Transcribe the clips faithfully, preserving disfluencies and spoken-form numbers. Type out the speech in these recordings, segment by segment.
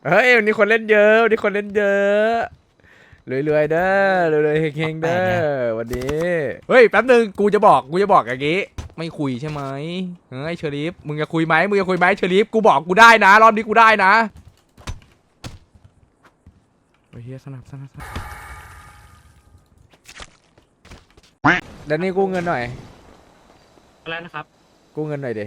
เฮ้ยวันนี้คนเล่นเยอะวันนี้คนเล่นเยอะรวยๆเด้อรวยๆเฮงๆเด้อวันนี้เฮ้ยแป๊บนึงกูจะบอกกูจะบอกอย่างงี้ไม่คุยใช่ไหมเฮ้ยเชอริฟมึงจะคุยไหมมึงจะคุยไหมเชอริฟกูบอกกูได้นะรอบนี้กูได้นะโอ้ยเฮียสนับสนับสนับแล้วนี่กู้เงินหน่อยอะไรนะครับกู้เงินหน่อยเด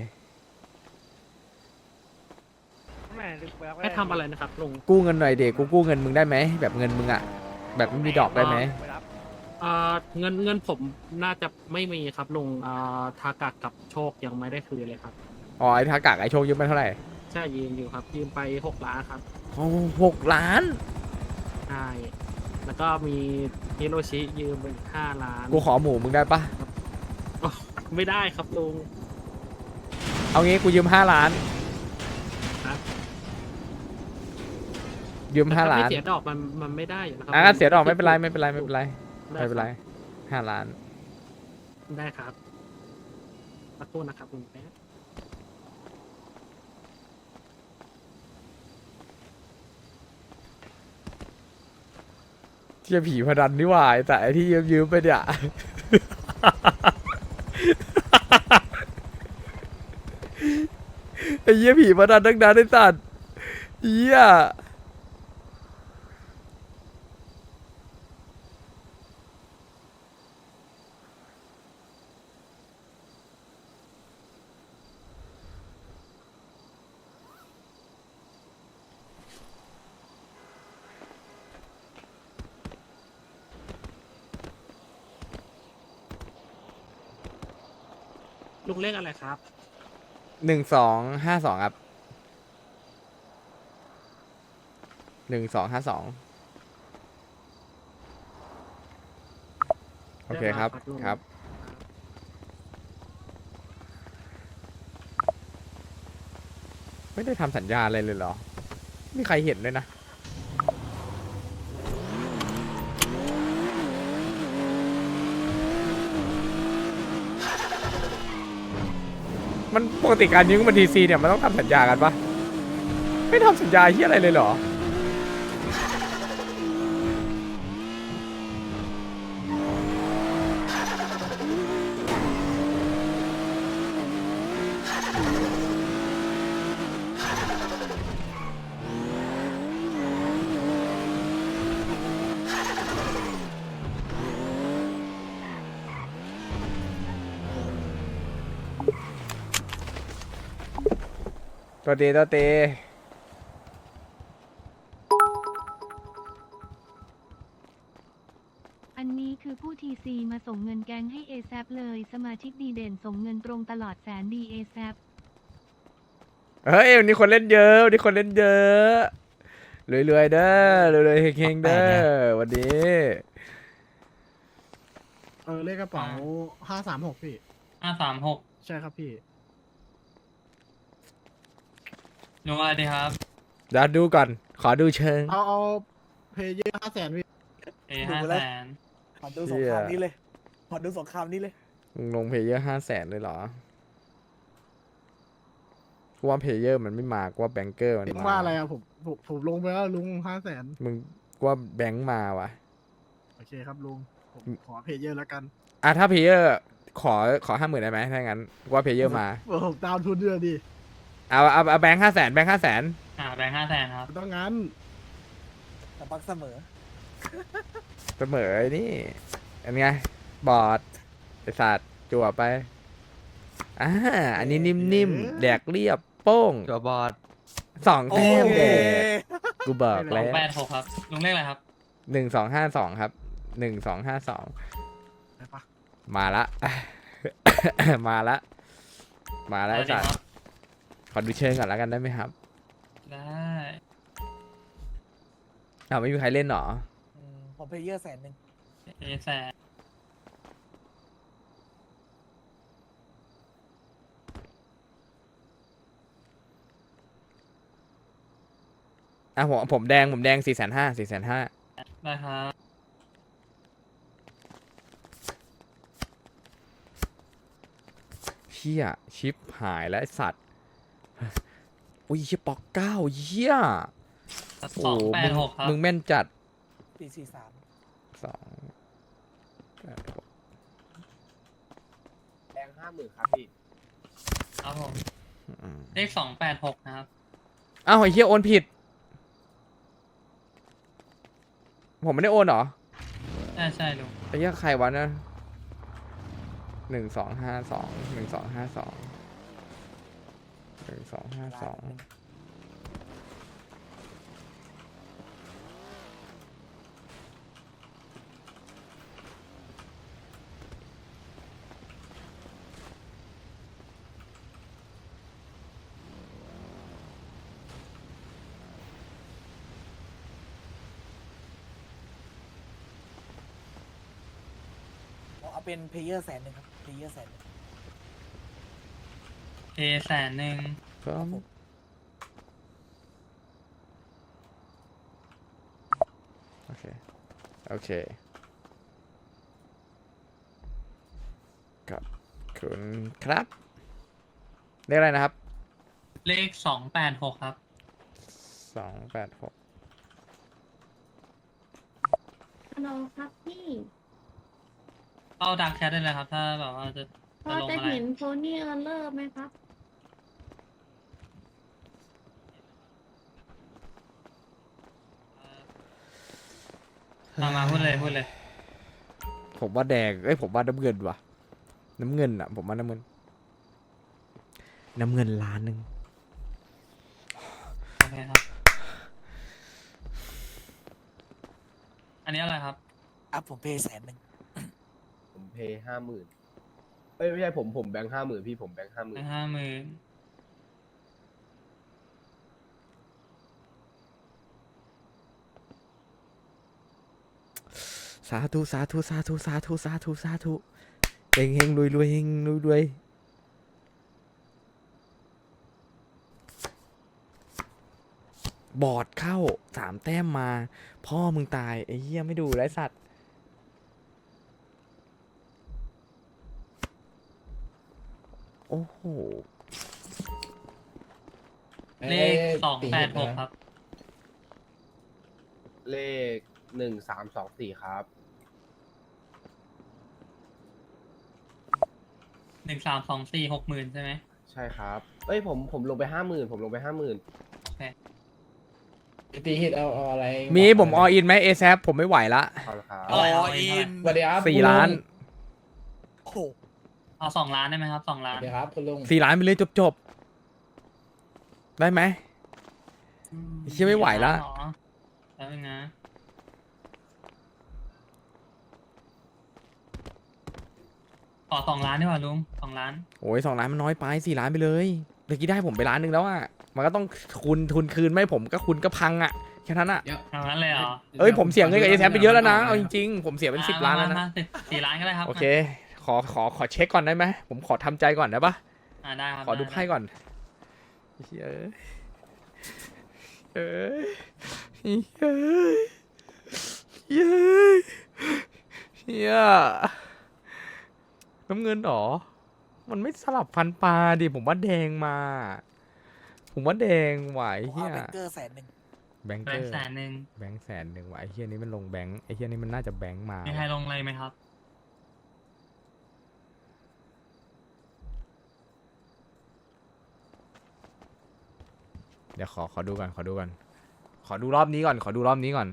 ให้ทำอะไรนะครับลุงกู้เงินหน่อยเดกูกู้เงินมึงได้ไหมแบบเงินมึงอะแบบไม่มีดอกได้ไหมเอ่อเงินเงินผมน่าจะไม่มีครับลุงเอ่อทากะกับโชคยังไม่ได้คืนเลยครับอ๋อไอ้ทากากไอ้โชคยืมไปเท่าไหร่ใช่ยืมอยู่ครับยืมไปหกล้านครับโอ้หกล้านใช่แล้วก็มีฮิโรชิยืมไปอีกห้าล้านกูขอหมูมึงได้ปะอ๋อไม่ได้ครับลุงเอางี้กูยืมห้าล้านครับยืมแต่ห้าถ้าล้าไม่นเสียดอกมันมันไม่ได้อยู่นะครัอ่ะเสียดอกไม่เป็นไรไม่เป็นไรไม่เป็นไรด้ไม่เป็นไรคบห้าล้านได้ครับขอโทษนะครับลุงแป๊บเที่ยผีพนันนี่หว่าแต่ไอ้ที่ยืมยืมไปเนี่ย ไอ้เหี้ยผีพนันตั้งนานไอ้สัตว์เหี้ยลุงเลขอะไรครับหนึ่งสองห้าสองครับหนึ่งสองห้าสองโอเคครับเรียบร้อยครับลุงครับ ไม่ได้ทำสัญญาอะไรเลยเหรอไม่มีใครเห็นเลยนะ มันปกติการยืมเงินทีซีเนี่ยมันต้องทำสัญญากันปะไม่ทำสัญญาเฮียอะไรเลยเหรอ ตัวเตตัวเตอันนี้คือผู้ทีซีมาส่งเงินแก๊งให้ เอ แซป เลยสมาชิกดีเด่นส่งเงินตรงตลอดแสนดี เอ แซปเฮ้ยวันนี้คนเล่นเยอะวันนี้คนเล่นเยอะรวยๆเด้อรวยๆเฮงๆเด้อวันนี้เออเลขกระเป๋าห้าสามหกพี่ห้าสามหกใช่ครับพี่ลุงอะไรดีครับเดี๋ยวดูก่อน ขอดูเชิงเอาเอาเพย์เยอร์ห้าแสนพี่เอห้าแสนขอดูสงครามนี้เลย ขอดูสงครามนี้เลยมึงลงเพลเยอร์ห้าแสนเลยเหรอกูว่าเพลเยอร์มันไม่มากว่าแบงเกอร์มันลุงมาว่าอะไรอะผมผมผมลงไปแล้วลุงห้าแสนมึงกูว่าแบงค์มาว่ะโอเคครับลุง ผมขอเพย์เยอร์แล้วกันอ่ะถ้าเพลเยอร์ขอขอห้าหมื่นได้ไหมถ้างั้นกูว่าเพลเยอร์มาผมดาวน์ทุนด้วยดิเอาเอาเอาแบงค์ห้าแสนแบงค์ห้าแสนอ่าแบงค์ห้าแสนครับไม่ต้องงั้นแต่ปักเสมอเสมอไอ้นี่อันไงบอดไอสัตว์จั่วไปอ่าอันนี้นิ่มๆแดกเรียบโป้งตัวบอดสองแต้มแดกกูบอกสอแล้งวแปดหกครับ ลุงเลขอะไรครับหนึ่งสองห้าสองครับหนึ่งสองห้าสองไปปะมาละ มาละมาละอะไอไรดีสัตคว์รับขอดูเชิงก่อนแล้วกันได้ไหมครับได้อ้าวไม่มีใครเล่นหรออืมผมเพย์เยอร์แสนหนึ่งเอแสนอ่ะผมผมแดงผมแดงสี่แสนห้าสี่แสนห้าได้ครับเชี่ยชิปหายแล้วไอสัตว์ อุ้ยเชี่ยปอกเก้าเหี้ยโอ้สองโหแปมึดงหกครับมึงแม่นจัดสี่สี่สามสองแปดหกแบงค์ห้าหมื่นครับพี่ครับผมอืมเลขสองแปดหกนะครับอ้าวไอ้เหี้ยโอนผิด ผมไม่ได้โอนเหรอใช่ใช่ลุงไอ้เหี้ยใครวะนะหนึ่งสองห้าสองหนึ่งสองห้าสองหนึ่งสองห้าสองเอาเป็นเพลเยอร์แสนหนึ่งครับเพลเยอร์แสนหนึ่งเอแสนหนึ่งก็โอเค โอเคครับคุณครับเรียกอะไรนะครับเลขสองแปดหกครับสองแปดหกฮัลโหลครับพี่เข้าดักแชทได้เลยครับ ถ้าแบบว่าจะพจะอลงจะอะไรเห็นโพนี่เออร์เลอร์ไหมครับมามาพูดเลยพูดเลยผมว่าแดงเอ้ยผมว่าน้ำเงินว่ะ น้ำเงินอ่ะ ผมว่าน้ำเงิน น้ำเงินล้านหนึ่งโอเคครับ อันนี้อะไรครับอ่ะผมเพย์แสนหนึ่งผมเพย์ห้าหมื่นเอ้ยไม่ใช่ผมผมแบงค์ห้าหมื่นพี่ผมแบงค์ห้าหมื่นห้าหมื่นสาธุสาธุสาธุสาธุสาธุสาธุเฮงเฮงรวยรวยเฮงรวยรวยบอดเข้าสามแต้มมา พ่อมึงตายไอ้เหี้ยไม่ดูไรสัตว์โอ้โหเลขสองแปดหกครับเลขหนึ่งสามสองสี่ครับหนึ่งสามสองสี่หกหมื่นใช่ไหมใช่ครับเอ้ยผมผมลงไปห้าหมื่นผมลงไปห้าหมื่นตีฮิตเอาเอาอะไรมีผมออินไหมเอแซผมไม่ไหวละเอาละครับเท่าไหร่ครับสวัสดีครับสี่ล้านโอ้โหเอาสองล้านได้ไหมครับสองสล้าวัน สดีครับคุณลุงสี่ล้านไปเลยจบจบๆได้ไหม เชี่ยไม่ไหวละเหรอแล้วนึงนะขอสองล้านดีกว่าลุงสองล้านโอ้ยสองล้านมันน้อยไปสี่ล้านไปเลยเมื่อกี้ได้ผมไปล้านหนึ่งแล้วอ่ะมันก็ต้องคูณทุนคืนไม่ผมก็คุณก็พังอ่ะแค่นั้นอ่ะเอางั้นเลยเหรอเอ้ยผมเสียเงินกับเอแซไปเยอะแล้วนะเอาจริงๆผมเสียเป็นสิบล้านแล้วมนะมสิบสี่ล้านก็ได้ครับโอเค ขอขอขอเช็คก่อนได้ไหมผมขอทำใจก่อนได้ปะอ่าได้ครับขอดูไไพ่ก่อนเฮ้ยเอ้ยเอ้ยเฮ้ยเฮ้ยเฮียน้ำเงินเหรอมันไม่สลับฟันปลาดิผมว่าแดงมา ผมว่าแดงไหวผมเฮีเอายแบงเกอร์แสนหนึ่งแบงค์แบเกงอค์ร์แสนหนึ่งแบงค์แสนหนึ่งว่ะไอ้เฮียนี้มันลงแบงค์ไอ้เฮียนี้มันน่าจะแบงค์มามีใครลงอะไรไหมครับเดี๋ยวขอขอดูก่อนขอดูก่อนขอดูรอบนี้ก่อนขอดูรอบนี้ก่อน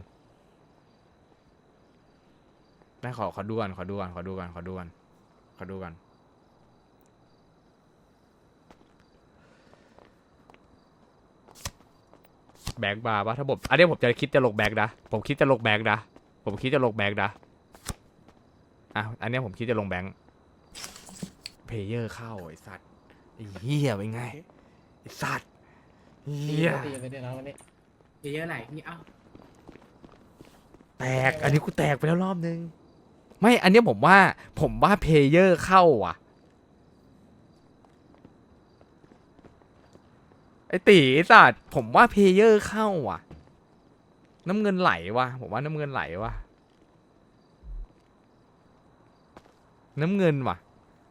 ได้ขอขอดูก่อนขอดูก่อนขอดูก่อนขอดูก่อนขอดูก่อนแบงค์บาร์ปะถ้าผมอันนี้ผมจะคิดจะลงแบงค์นะผมคิดจะลงแบงค์นะผมคิดจะลงแบงค์นะอ่ะอันนี้ผมคิดจะลงแบงค์เพลเยอร์เข้าไอ้สัตว์ไอ้เหี้ยเป็นไงไอ้สัตว์เหี้ยตีไปเดี๋ยวนะวันนี้เยอะไหนนี่เอ้าแตก อันนี้กูแตกไปแล้วรอบนึง ไม่ อันเนี้ยผมว่า ผมว่าเพลเยอร์เข้าว่ะ ไอตีไอ้สัตว์ผมว่าเพลเยอร์เข้าว่ะ น้ำเงินไหลว่ะ ผมว่าน้ำเงินไหลว่ะ น้ำเงินว่ะ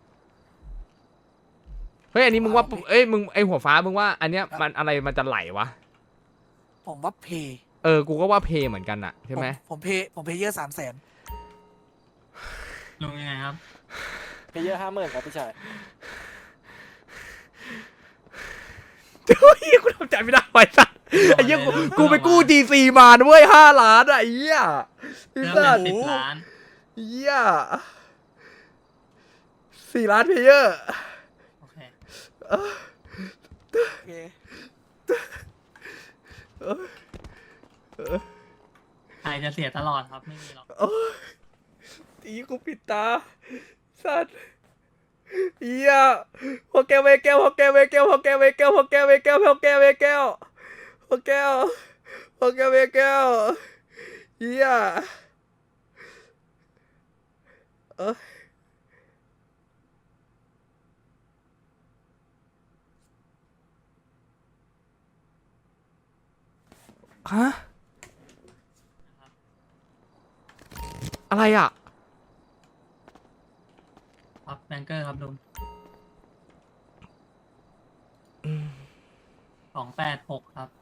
เฮ้ย อันนี้มึงว่า เอ้ย มึง ไอหัวฟ้า มึงว่า อันเนี้ย มันอะไร มันจะไหลวะผมว่าเพย์เออกูก็ว่าเพย์เหมือนกันอะใช่ไหมผมผมเพย์ผมเพย์เยอร์สามแสนลุงยังไงครับเพย์เยอร์ห้าหมื่นครับพี่ชายเฮ้ยกูทำใจไม่ได้ไว้สัสไอ้เหี้ยกูกูไปกู้ จี ซี มาด้วยห้าล้านอะไอ้เหี้ยไอ้เริ่มสัเป็สนสิบล้านเหี้ยสี่ล้านเพย์เยอร์โอเคโอเคใครจะเสียตลอดครับ ไม่มีหรอกตีกูปิดตาสัตว์เหี้ยพอแก้วเวแก้วพอแก้วเวแก้วพอแก้วเวแก้วพอแก้วเวแก้วพอแก้วเวแก้วพอแก้วพอแก้วเวแก้วเหี้ยเอ้ยฮะอะไรอ่ะครับแบงเกอร์ครับลุงสองแปดหกครับ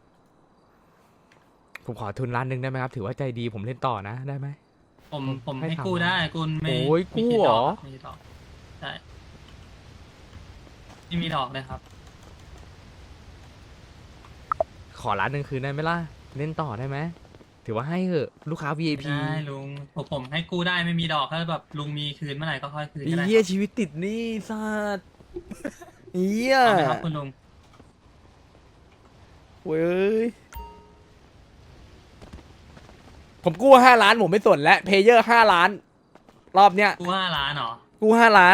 ผมขอทุนล้านหนึ่งได้ไหมครับ ถือว่าใจดีผมเล่นต่อนะได้ไหมผมผมให้ให้ถามกู้ได้คุณไม่โอ้ยไม่คิดกู้เหรอดกไม่คิดดอกใช่ไม่มีดอกเลยครับขอล้านหนึ่งคืนได้ไหมล่ะ เล่นต่อได้ไหมถือว่าให้เหอะลูกค้า วี ไอ พีได้ลุงผมผมให้กู้ได้ไม่มีดอกถ้าแบบลุงมีคืนเมื่อไหร่ก็ค่อยคืนก็ได้เหี้ยครับชีวิตติดหนี้สัตว์เหี้ยเอาไหมครับคุณลุงเว้ยผมกู้ห้าล้านผมไม่สนแล้วเพย์เยอร์ห้าล้าน รอบเนี้ยกู้ห้าล้านเหรอกู้ห้าล้าน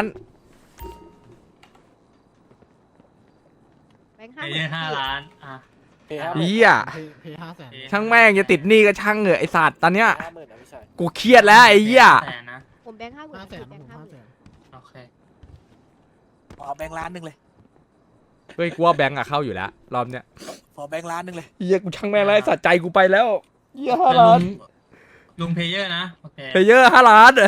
แบงค์เพห้าหย์เยมื่อน ร์ห้าล้านอ่ะเพย์ห้าหมื่นเหี้ยเพย์เพย์ห้าแสนช่างแม่งจะติดหนี้ก็ช่างเหอะไอสัตว์ตอนเนี้ยห้าหมื่นนะพี่ชายกูเครียดแล้วไอ้เหี้ยแสนนะผมแบงค์ห้าหมื่นห้าแสนแบผงมค์ห้าห้าหแสมื่นนโอเคผมเอาแบงค์ล้านหนึ่งเลยเฮ้ยกูว่าแบงก์อะเข้าอยู่แล้วรอบเนี้ยขอแบงค์ล้านหนึ่งเลยเหี้ยกูช่างแม่งแล้วไอ้สัตว์ใจกูไปแล้วเหี้ยห้าแต่ลุล้านงลุงเพย์เยอร์นะโอเคเพย์เยอร์ห้าล้าน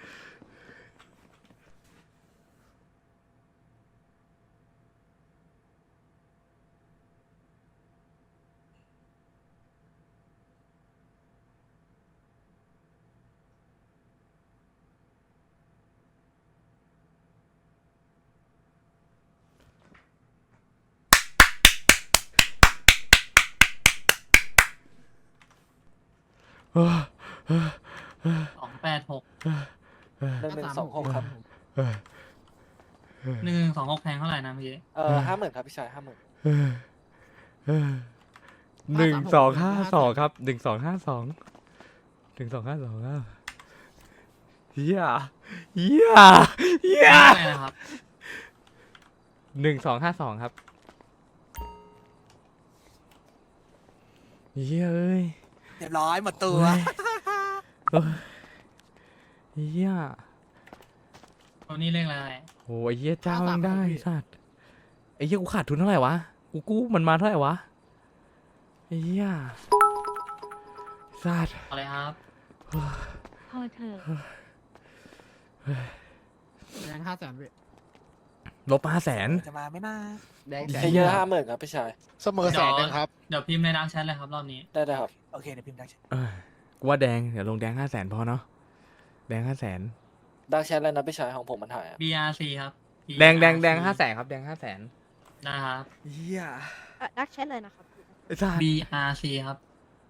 เออสองแปดหกหนึ่งหนึ่งสองหกครับหนึ่งสองหกแพงเท่าไหร่นะเมื่อกี้เออห้าหมื่นครับพี่ชายห้าหมื่นหนึ่งสองห้าสองครับหนึ่งสองห้าสองหนึ่งสองห้าสองครับเฮียเฮียเฮียเท่าไหร่นะครับหนึ่งสองห้าสองครับเฮียเอ้ยเรียบร้อยหมดตัวเอ้ยเฮียตัวนี้เลขอะไรโอ้ยเฮียเจ้ายังได้สัตว์ไอ้เฮียกูขาดทุนเท่าไหร่วะกูกู้มันมาเท่าไหร่วะไอ้เฮียสัตว์เอาเลยครับพอเถอะแบงค์ห้าแสนพี่ลบห้าแสนจะมาไหม่น่าแดงเพย์เยอร์ห้าหมื่นครับพี่ชายเสมอแสนหนึงครับเดี๋ยวพิมพ์ในดังแชทเลยครับรอบนี้ได้ได้ครับโอเคเดี๋ยวพิมพ์ได้เออกูว่าแดงเดี๋ยวลงแดงห้าแสนพอเนาะแดงห้าแสนดักแชทแล้วนะพี่ชายของผมมันหายอะบี อาร์ ซี ครับแดงแดงแดงห้าแสนครับแดงห้าแสนนะครับเฮียดักแชทเลยนะครับไอ้สัตว์บี อาร์ ซี ครับ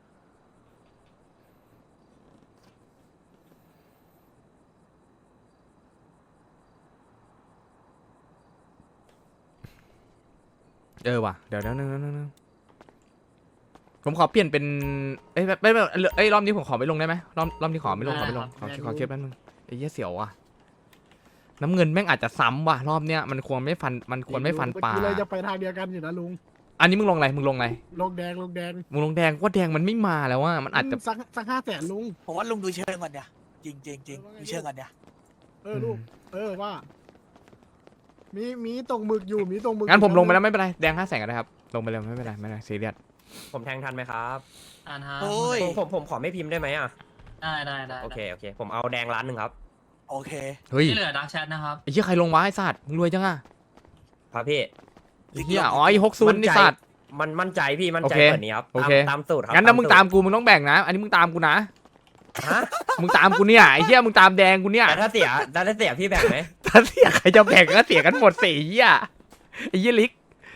เออว่ะเดี๋ยวเดี๋ยวนึงนึงนึงนึงผมขอเปลี่ยนเป็นเอ้ยไม่ไม่เอ้ยรอบนี้ผมขอไม่ลงได้ไหมรอบรอบนี้ขอไม่ลงขอไม่ลงขอขอเคลียร์แป๊บนึงไอ้เหี้ยเสียวว่ะน้ำเงินแม่งอาจจะซ้ำว่ะรอบเนี้ยมันควรไม่ฟันมันควรไม่ฟันป่าเมื่อกี้เลยจะไปทางเดียวกันอยู่นะลุงอันนี้มึงลงอะไรมึงลงอะไรลงแดงลงแดงมึงลงแดงว่าแดงมันไม่มาแล้วว่ามันอาจจะสักสักห้าแสนลุงผมว่าลุงดูเชิงก่อนเนี่ยจริงจริงจริงดูเชิงก่อนเนี่ยเออลูกเออว่า มีมีตรงหมึกอยู่มีตรงหมึกงั้นผมลงไปแล้วไม่เป็นไรแดงห้าแสนก็ได้ครับลงไปเลยไม่เป็นไรไม่เป็นไรซีเรียสผมแทงทันไหมครับอ่านครับโอ้ยผมผมผมขอไม่พิมพ์ได้ไหมอ่ะได้ได้ได้โอเค โอเค ผมเอาแดงล้านหนึ่งครับโอเคเฮ้ยที่เหลือดังแชทนะครับไอ้เหี้ยใครลงวะไอ้สัตว์มึงรวยจังอะครับพี่ไอ้เหี้ยอ๋อไอ้ฮกซุนไอ้สัตว์มันมั่นใจพี่มั่นใจโอเคกว่านี้ครับโอตามเคตามสูตรครับงั้นถ้ามึงสูรตามกูมึงต้องแบ่งนะ อันนี้มึงตามกูนะฮะมึงตามกูเนี่ยไอ้เหี้ยมึงตามแดงกูเนี่ยแต่ถ้าเสียแต่ถ้าเสียพี่แบ่งไหมถ้าเสียใครจะแบ่งก็เสียกันหมดสี่เหี้ยไอ้เหี้ยลิก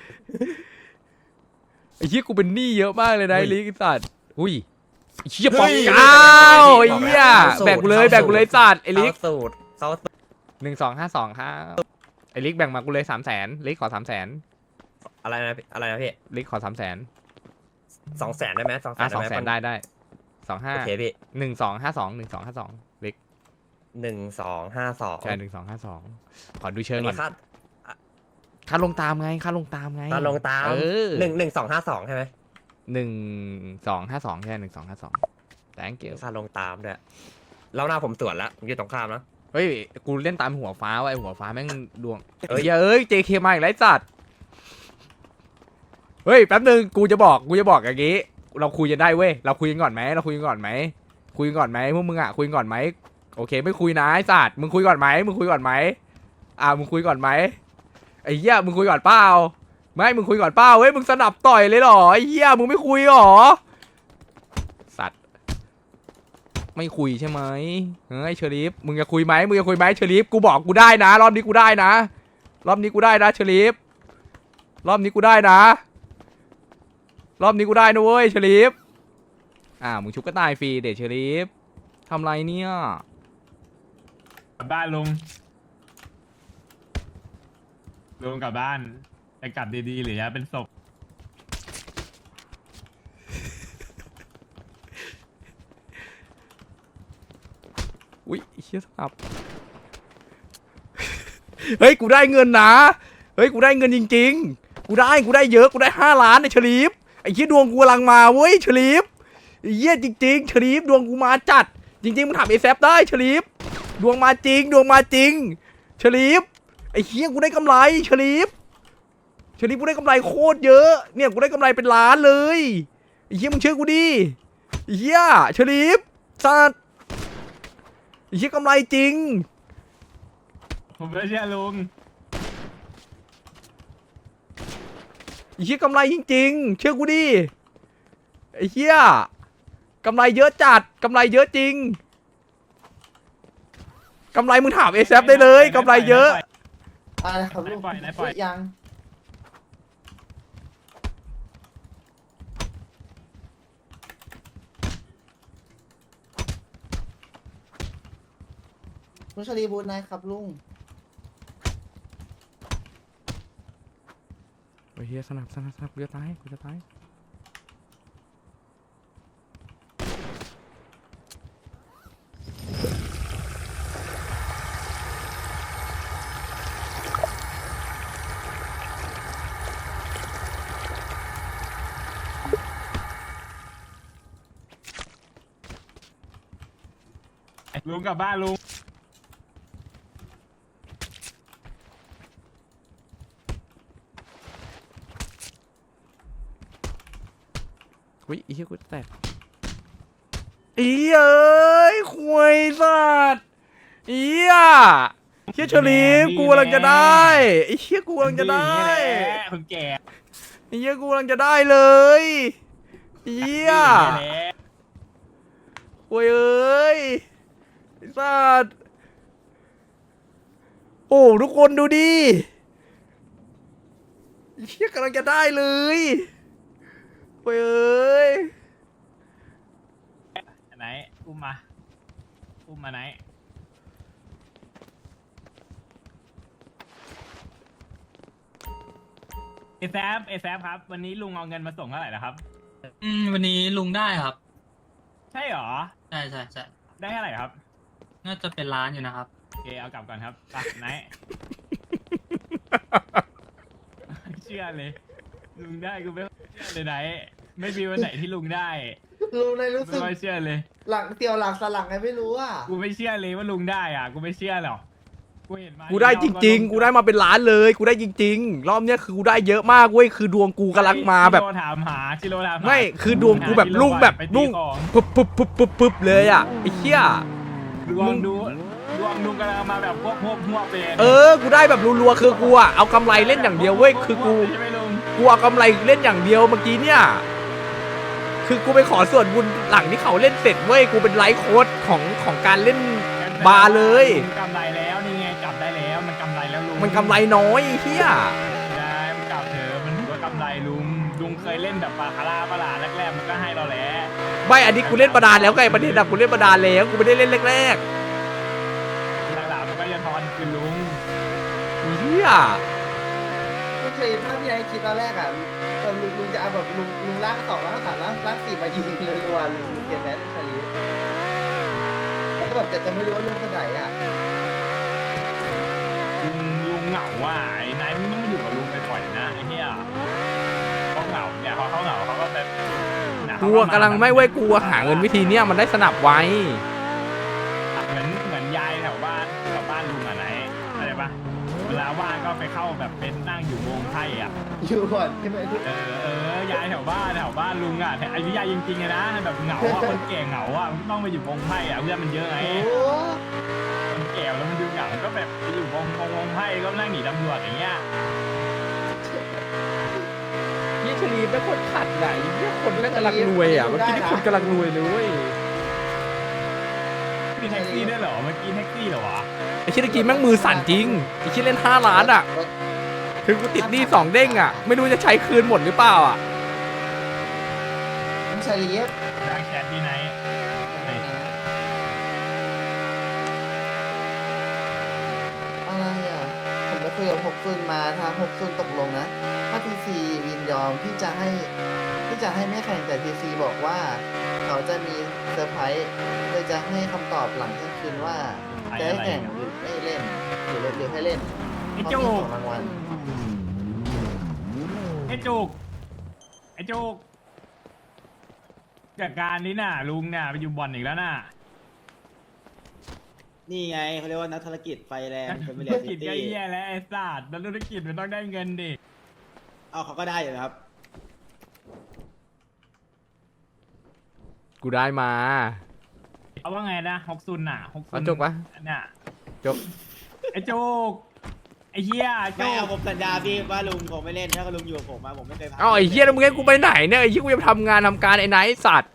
ไอ้เหี้ยกูเป็นหนี้เยอะมากเลยนะไอ้ลิกไอ้สัตว์อุ้ยไอ้เหี้ยปองเก้าไอ้เหี้ยแบ่งกูเลยแบ่งกูเลยสัตว์ไอ้ลิกเข้าสูตรเข้าสูตรหนึ่งสองห้าสองครับไอ้ลิกแบ่งมากูเลยสามแสนลิกขอสามแสนอะไรนะพี่อะไรนะพี่ลิกขอสามแสนสองแสนได้ไหมสองแสอ่ะนสองได้แสไหมนได้ได้สองห้าโอเคพี่หนึ่งสองห้าสองหนึ่งสองห้าสองลิกหนึ่งสองห้าสองใช่หนึ่งสองห้าสองขอดูเชิงอันก่อนี้นค่าค่าลงตามไงค่าลงตามไงค่าลงตามเออหนึ่งหนึ่งสองห้าสองใช่ไหมหนึ่งสองห้าสองใช่หนึ่งสองห้าสอง thank you ค่าลงตามด้วยแล้วหน้าผมสวนแล้วผมอยู่ตรงข้ามนะเฮ้ยกูเล่นตามหัวฟ้าว่ะไอหัวฟ้าแม่งดวงเอ้ยเฮ้ยเอ้ย เจ เค มาอีกแล้วไอ้สัตว์เฮ้ยแป๊บนึงกูจะบอกกูจะบอกอย่างงี้ เราคุยกันได้เว้ยเราคุยกันก่อนไหมเราคุยกันก่อนไหมคุยกันก่อนไหมพวกมึงอ่ะคุยกันก่อนไหมโอเคไม่คุยนะไอ้สัตว์มึงคุยก่อนไหมมึงคุยก่อนไหมอ่ามึงคุยก่อนไหมไอ้เหี้ยมึงคุยก่อนเปล่าไม่มึงคุยก่อนเปล่าเฮ้ยมึงสนับต่อยเลยเหรอไอ้เหี้ยมึงไม่คุยเหรอสัตว์ไม่คุยใช่ไหมเฮ้ยเชอริฟมึงจะคุยไหมมึงจะคุยไหมเชอริฟกูบอกกูได้นะรอบนี้กูได้นะรอบนี้กูได้นะเชอริฟรอบนี้กูได้นะรอบนี้กูได้นะเว้ยเชอริฟอ่ามึงชุบก็ตายฟรีเดชเชอริฟทำไรเนี่ยกลับบ้านลุงลุงกลับบ้านจะกลับดีๆหรือจะเป็นศพอุ้ยเชี่ยสับ เฮ้ยกูได้เงินนะเฮ้ยกูได้เงินจริงๆกูได้กูได้เยอะกูได้ห้าล้านในเฉลีฟไอ้เชี่ยดวงกูกำลังมาเว้ยเฉลีฟไอ้เหี้ยจริงๆเฉลีฟดวงกูมาจัดจริงๆมึงถามเอแซฟได้เฉลีฟดวงมาจริงดวงมาจริงเฉลีฟไอ้เหี้ยกูได้กำไรเฉลีฟเฉลีฟกูได้กำไรโคตรเยอะเนี่ยกูได้กำไรเป็นล้านเลยไอ้เหี้ยมึงเชื่อกูดิไอ้เหี้ยเฉลีฟสัตว์ไอ้เหี้ยกำไรจริงผมไม่เชื่อลุงไอ้เหี้ยกำไรจริงๆ เชื่อกูดิไอ้เหี้ยกำไรเยอะจัดกำไรเยอะจริงกำไรมึงถามเอแซได้เลยกำไรเยอะอะไรครับลุงปล่อยไหนปล่อยยังลุงชลีบูนายครับลุงโอ้ยเฮียสนับสนับสนับกูจะตายกูจะตายลุงกลับบ้านลุงอุ้ยไอ้เฮียกูแตกอีเอ้ยควยสัตว์อีอ่ะเฮียเฉลีมกูกำลังจะได้ไอ้เฮียกูกำลังจะได้คนแก่ไอ้เฮียกูกำลังจะได้เลยเฮีย โอ้ยเอ้ยไอ้สัตว์โอ้ทุกคนดูดิไอ้เฮียกำลังจะได้เลยโอ้ยเอ้ยไหนอุ้มมาอุ้มมาไหนเอแซฟเอแซฟครับ วันนี้ลุงเอาเงินมาส่งเท่าไหร่นะครับอืมวันนี้ลุงได้ครับใช่หรอใช่ใช่ใช่ได้เท่าไหร่ครับน่าจะเป็นร้านอยู่นะครับโอเคเอากลับก่อนครับไปไหน เชื่อเลย ลุงได้กูไม่เชื่อเลยไหน ไม่มีวันไหนที่ลุงได้ลุงนายรู้ไม่สึกค่อยเชื่อเลยหลังเตียวหลังสลังไงไม่รู้อ่ะกูไม่เชื่อเลยว่าลุงได้อ่ะ กูไม่เชื่อหรอกกูเห็นมากูได้จริงๆ กูได้มาเป็นล้านเลย กูได้จริงๆ รอบเนี้ยคือกูได้เยอะมากเว้ย คือดวงกูกำลังมาแบบชิโร่ถามหาชิโร่ถามหาไม่ คือดวงกูแบบลุ่งแบบไปตีลุ่งของปุ๊บปุ๊บปุ๊บปุ๊บปุ๊บเลยอ่ะไอ้เหี้ยดวงดูดวงลุงกำลังมาแบบพวกพวกพวกเป็นเออ กูได้แบบรัวๆ คือกูอ่ะเอากำไรเล่นอย่างเดียวเว้ย คือกูใช่ไหมลุงกูเอากำไรเล่นอย่างเดียวเมื่อกี้เนี่ยคือกูไปขอส่วนบุญหลังที่เขาเล่นเสร็จเว้ยกูเป็นไลฟ์โค้ดของของการเล่นบาร์เลยลุงกำไรแล้วนี่ไงจับได้แล้วมันกำไรแล้วลุงมันกำไรน้อยไอ้เฮียได้มันกลับเถอะมันถือว่ากำไรลุงลุงเคยเล่นแบบบาคาร่าปะล่ะแรกๆมันก็ให้เราแหละไม่อันนี้กูเล่นบาดาลแล้วไงประเด็นอะกูเล่นบาดาลแล้วกูไม่ได้เล่นแรกหลังๆมันก็จะทอนคืนลุงๆไอ้เฮียก็เคยถ้าพี่ไอ้คิดตอนแรกอ่ะเออลุงลุงจะเอาแบบลุงลุงลากสองลากสามลากลากสี่มายิงเลยรัวๆลุงเกลียดแมสชาลีแล้วก็แบบจะจะไม่รู้ว่าเรื่องไหนอ่ะลุงลุงเหงาว่ะไอ้นายมึงต้องมาอยู่กับลุงไปปล่อยนะไอ้เหี้ยเขาเหงาเนี่ยเขาเขาเหงาเขาก็แบบเนี่ยกูเขากำลังไม่เว้ยกูหาเงินวิธีเนี้ยมันได้สนับไว้เหมือนเหมือนยายแถวบ้านแถวบ้านลุงอะไหนอะไรปะเวลาว่างก็ไปเข้าแบบเป็นนั่งอยู่วงไพ่อ่ะอยู่ก่อนใช่ไหมเออเออยายแถวบ้านแถวบ้านลุงอ่ะแต่อายุยายจริงๆเลยนะแบบเหงาอ่ะคนแก่เหงาอ่ะมันต้องไปอยู่วงไพ่อ่ะเพื่อนมันเยอะไงโอ้คนแก่แล้วมันดูเหงาก็แบบไปอยู่วงวงวงไพ่ก็นั่งหนีตำรวจอย่างเงี้ยยี่ชลีเป็นคนขัดไหนยี่คนแม่งกำลังรวยอ่ะเมื่อกี้นี่คนกำลังรวยเลยเว้ยมีแท็กซี่ด้วยเหรอเมื่อกี้แท็กซี่เหรอวะไอ้ชิ้นเมื่อกี้แม่งมือสั่นจริงไอ้ชิ้นเล่นห้าล้านอ่ะคือกูติดหนี้สองเด้งอ่ะไม่รู้จะใช้คืนหมดหรือเปล่าอ่ะน้ำชาลีฟดังแชทที่ไหนอะไรอ่ะผมไปคุยกับหกซุนมาทางหกซุนตกลงนะถ้าทีซียินยอมที่จะให้ที่จะให้ไม่แข่งแต่ทีซีบอกว่า เขาจะมีเซอร์ไพรส์เลยจะให้คำตอบหลังเที่ยงคืนว่าจะให้แข่งหรือไม่เล่นหรือหรือให้เล่นไอ้เพราะจุมีกของรางวัลไอ้จุกไอ้จุกจากการนี้น่ะลุงเนี่ยไปอยู่บ่อนอีกแล้วน่ะนี่ไงเขาเรียกว่านักธุรกิจไฟแรงธุรกิจก็แย่แล้วไอ้สัตว์แล้วธุรกิจมันต้องได้เงินดิเอาเขาก็ได้อยู่ครับกูได้มาเอาว่าไงนะหกซุนน่ะหกซุเอานจกปะน่ะจกไอ้จุกไอ้เหี้ยจุไม่เอากผมสัญญาพี่ว่าลุงผมไม่เล่นถ้าลุงอยู่กับผมมาผมไม่เคยพาเอาไอ้เฮียแล้วมึงให้กูไปไหนเนี่ยไอ้เฮียกูจะทำงานทำการไอ้ไหนสัตว์